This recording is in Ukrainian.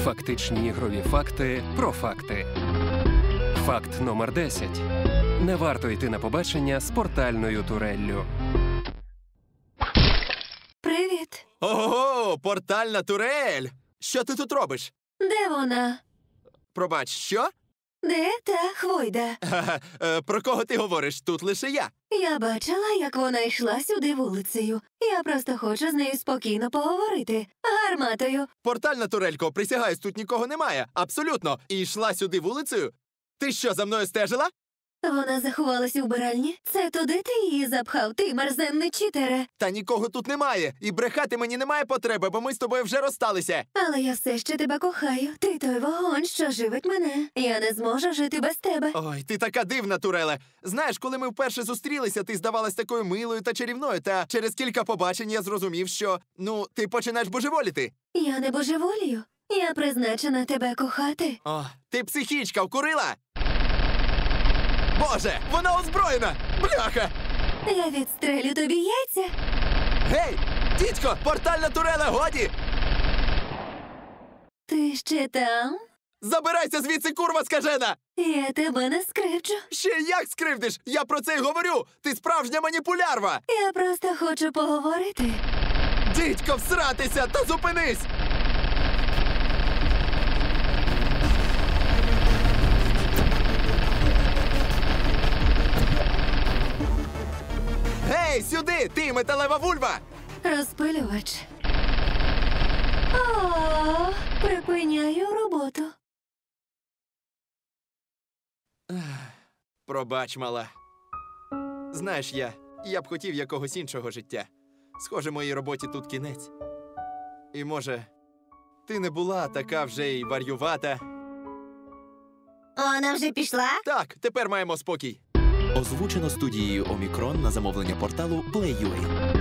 Фактичні ігрові факти про факти. Факт номер 10. Не варто йти на побачення з портальною туреллю. Привіт. Ого, портальна турель! Що ти тут робиш? Де вона? Пробач, що? Де та Хвойда? Про кого ти говориш? Тут лише я. Я бачила, як вона йшла сюди вулицею. Я просто хочу з нею спокійно поговорити. Гарматою. Портальна турелько, присягаюсь, тут нікого немає. Абсолютно. І йшла сюди вулицею? Ти що, за мною стежила? Вона заховалась у вбиральні. Це туди ти її запхав, ти мерзенний читере. Та нікого тут немає. І брехати мені немає потреби, бо ми з тобою вже розсталися. Але я все ще тебе кохаю. Ти той вогонь, що живить мене. Я не зможу жити без тебе. Ой, ти така дивна, Туреле. Знаєш, коли ми вперше зустрілися, ти здавалась такою милою та чарівною, та через кілька побачень я зрозумів, що, ти починаєш божеволіти. Я не божеволію. Я призначена тебе кохати. О, ти психічка, вкурила? Боже, вона озброєна! Бляха! Я відстрелю тобі яйця. Гей! Дідько, портальна туреле, годі! Ти ще там? Забирайся звідси, курва скажена! Я тебе не скривчу. Ще як скривдиш? Я про це й говорю! Ти справжня маніпулярва! Я просто хочу поговорити. Дідько, всратися та зупинись! Гей, сюди! Ти металева вульва! Розпилювач. О, припиняю роботу. Пробач, мала. Знаєш, я б хотів якогось іншого життя. Схоже, моїй роботі тут кінець. І, може, ти не була така вже й варювата. Вона вже пішла? Так, тепер маємо спокій. Озвучено студією Омікрон на замовлення порталу Play.ua.